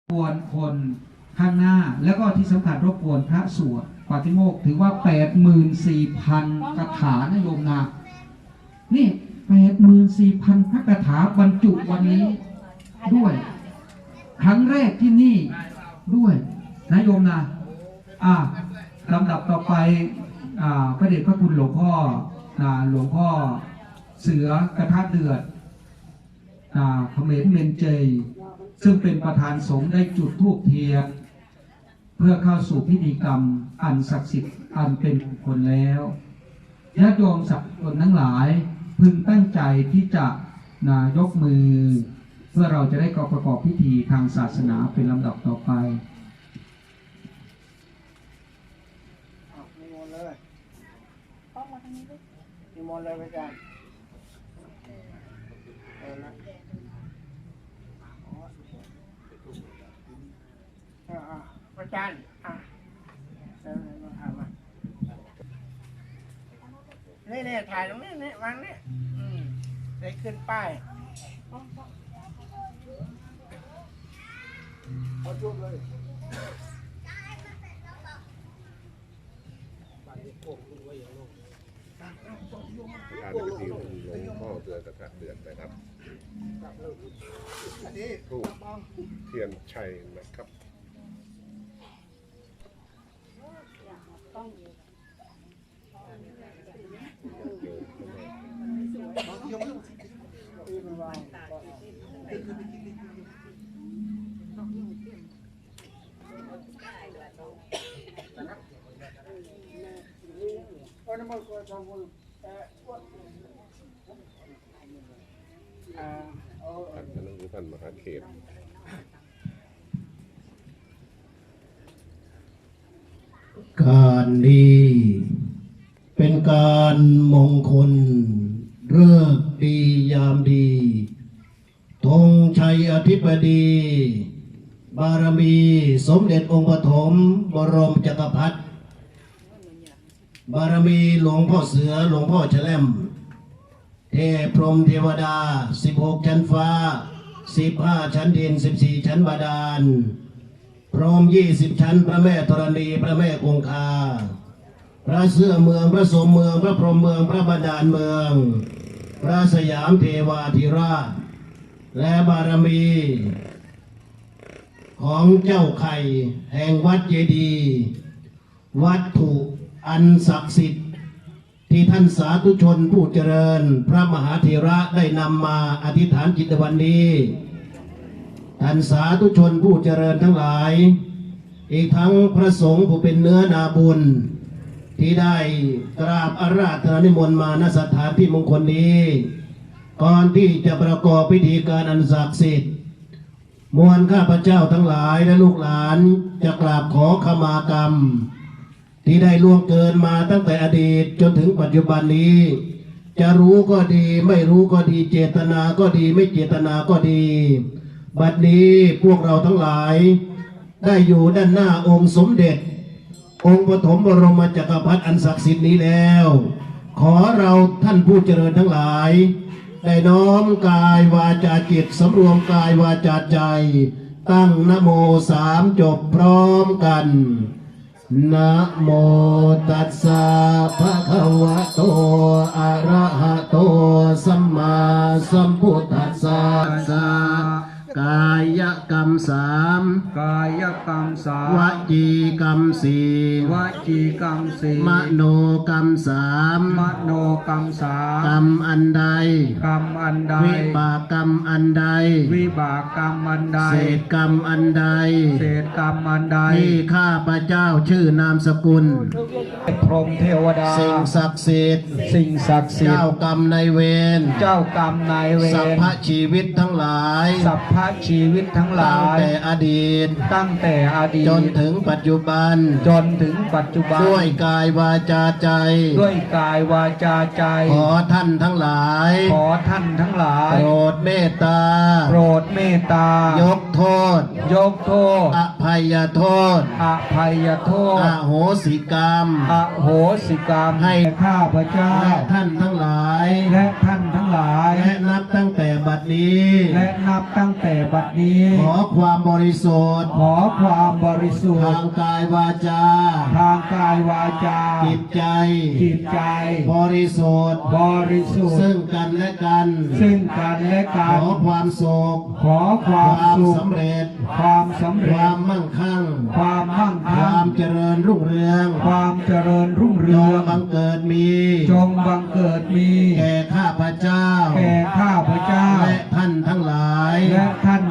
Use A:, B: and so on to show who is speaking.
A: รบกวนคนข้างหน้าแล้วก็ที่สำคัญรบกวนพระสวดปาฏิโมกข์ถือว่า 84,000 คาถานะโยมนะนี่ 84,000 พระคาถาบรรจุวันนี้ด้วยครั้งแรกที่นี่ด้วยนะโยมนะลำดับต่อไปพระเดชพระคุณหลวงพ่อเสือกระทะเดือดเขมรเมนเจยซึ่งเป็นประธานสงฆ์ได้จุดธูปเทียนเพื่อเข้าสู่พิธีกรรมอันศักดิ์สิทธิ์อันเป็นมงคลแล้วญาติโยมสักคนทั้งหลายพึงตั้งใจที่จะยกมือเพื่อเราจะได้ประกอบพิธีทางศาสนาเป็นลำดับต่อไป
B: นิมนต์เลยนิมนต์เลยพระอาจารย์พระอาจารย์นี่ถ่ายตรงนี้วางนี่ได้ขึ้นป้ายขอจุบเลย
C: การพิธีหลวงพ่อเตือนกระทะเดือดนะครับทูปเทียนชัยนะครับท่านมหาเขต
D: การนี้เป็นการมงคลฤกษ์ดียามดีธงชัยอธิบดีบารมีสมเด็จองค์ปฐมบรมจักรพรรดิบารมีหลวงพ่อเสือหลวงพ่อแฉลมเทพพรหมเทวดา16 ชั้นฟ้า15 ชั้นดิน14 ชั้นบาดาลพรหม20 ชั้นพระแม่ธรณีพระแม่คงคาพระเสื้อเมืองพระสมเมืองพระพรหมเมืองพระบาดาลเมืองพระสยามเทวาธิราชและบารมีของเจ้าไข่แห่งวัดเจดีย์วัตถุอันศักดิ์สิทธิ์ที่ท่านสาธุชนผู้เจริญพระมหาเถระได้นำมาอธิษฐานจิตวันนี้ท่านสาธุชนผู้เจริญทั้งหลายอีกทั้งพระสงฆ์ผู้เป็นเนื้อนาบุญที่ได้กราบอาราธนานิมนต์มาณสถานที่มงคลนี้ก่อนที่จะประกอบพิธีการอันศักดิ์สิทธิ์มวลข้าพเจ้าทั้งหลายและลูกหลานจะกราบขอขมากรรมที่ได้ล่วงเกินมาตั้งแต่อดีตจนถึงปัจจุบันนี้จะรู้ก็ดีไม่รู้ก็ดีเจตนาก็ดีไม่เจตนาก็ดีบัดนี้พวกเราทั้งหลายได้อยู่ด้านหน้าองค์สมเด็จองค์ปฐมบรมจักรพรรดิอันศักดิ์สิทธิ์นี้แล้วขอเราท่านผู้เจริญทั้งหลายได้น้อมกายวาจาจิตสำรวมกายวาจาใจตั้งนะโม3จบพร้อมกันนะโมตัสสะภะคะวะโตอะระหะโตสัมมาสัมพุทธัสสะกายกรรม3
A: กายกรรม
D: วจีกรรม4
A: วจีกรรม
D: มโนกรรม
A: มโนกรรม
D: กรรมอันใด
A: กรรมอันใด
D: วิบากกรรมอันใด
A: วิบากกรรมอันใด
D: เศษกรรมอันใด
A: เศษกรรมอันใด
D: ที่ข้าพเจ้าชื่อนามสกุล
A: พรหมเทวดา
D: สิ่งศักดิ์สิทธิ์เจ้ากรรมนายเวร
A: เจ้ากรรมนายเวร
D: สัพพชีวิตทั้งหลาย
A: สัพพชีวิตทั้งหลาย
D: ตั้งแต่อดีตจนถึงปัจจุบันด้วยกายวาจาใจขอท่านทั้งหลายโปรดเมตตาย
A: ก
D: โทษ
A: ยกโทษ
D: อภัยโทษ
A: อภัยโท
D: อ
A: ษ
D: โหสิกรรม
A: อโหสิกรรมให้ข้าพเจ้า
D: และท่านทั้งหลาย
A: และท่านทั้งหลาย
D: และนับตั้งแต่บัดนี้
A: และนับตั้งแต่บัดนี้
D: ขอความบริสุทธิ์
A: ขอความบริสุท
D: ทา
A: ธิ์
D: งกายวาจา
A: ทางกายวาจา
D: จิตใจ
A: จิตใจ
D: บริสุทธิ์
A: บริสุทธิ์
D: ซึ่งกันและกัน
A: ซึ่งกันและ
D: ข
A: กัน
D: อความสุข
A: ขอความสุข
D: สำเร็จ
A: ความสำ
D: ค
A: เร็
D: วา
A: จ
D: มมั่งคั่ง
A: ความมั่ง
D: ค
A: คั่
D: วาง มเจริญรุ่งเรือง
A: ความเจริญรุ่ง
D: จ
A: เรือง
D: บังเกิดมี
A: จงบังเกิดมี
D: แก่ข้าพเจ้า
A: แก่ข้าพเจ้า
D: และท่านทั้งหลาย
A: และท่าน